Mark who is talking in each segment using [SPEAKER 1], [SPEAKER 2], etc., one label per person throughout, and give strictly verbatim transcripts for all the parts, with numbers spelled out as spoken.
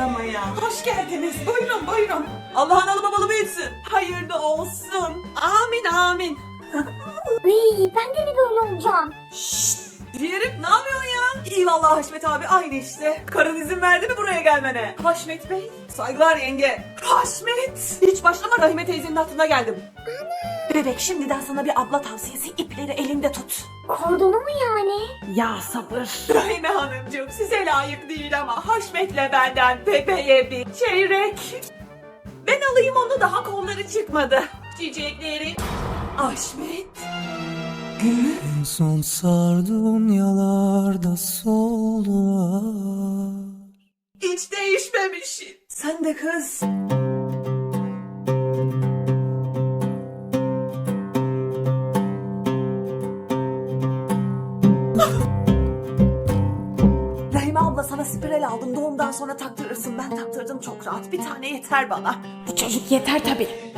[SPEAKER 1] kutlamaya. Hoş geldiniz. Buyurun buyurun. Allah'ın alı babalı büyütsün. Hayırlı olsun. Amin amin.
[SPEAKER 2] Iy, ben de mi böyle olacağım?
[SPEAKER 1] Şşt. Diyelim ne yapıyorsun ya? İyi vallahi Haşmet abi aynı işte. Karın izin verdi mi buraya gelmene? Haşmet Bey. Saygılar yenge. Haşmet. Hiç başlama Rahime teyzenin hatırına geldim. Ana. Bebek şimdiden sana bir abla tavsiyesi, ipleri elinde tut.
[SPEAKER 2] Kordonu mu yani?
[SPEAKER 1] Ya sabır. Rahime Hanımcığım size layık değil ama Haşmet'le benden bebeğe bir çeyrek. Ben alayım onu, daha kolları çıkmadı. Çiçekleri. Haşmet. Gül.
[SPEAKER 3] En son sardığın yalarda soldular.
[SPEAKER 1] Hiç değişmemişsin. Sen de kız. Rahime abla sana spiral aldım. Doğumdan sonra taktırırsın. Ben taktırdım çok rahat. Bir tane yeter bana.
[SPEAKER 2] Bu çocuk yeter tabii.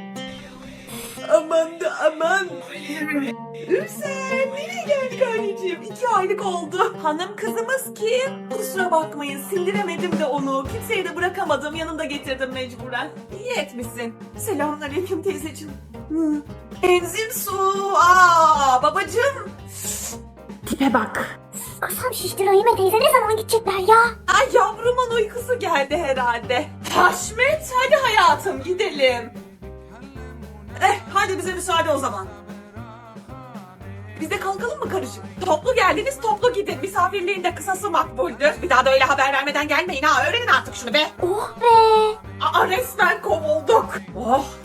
[SPEAKER 1] Aman da aman. Ürsen nereye geldik anneciğim? İki aylık oldu. Hanım kızımız kim? Kusura bakmayın sindiremedim de onu. Kimseye de bırakamadım. Yanımda getirdim mecburen. İyi etmişsin. Selamünaleyküm teyzeciğim. Hı. Enzim su. Aa babacığım.
[SPEAKER 2] Tipe bak. Kasam şişti, Rahime teyze ne zaman gidecekler ya?
[SPEAKER 1] Ay yavrumun uykusu geldi herhalde. Haşmet hadi hayatım gidelim. Eh hadi bize müsaade o zaman. Biz de kalkalım mı karıcığım? Toplu geldiniz toplu gidin. Misafirliğin de kısası makbuldür. Bir daha da öyle haber vermeden gelmeyin ha. Öğrenin artık şunu be.
[SPEAKER 2] Oh be.
[SPEAKER 1] Aa resmen kovulduk. Oh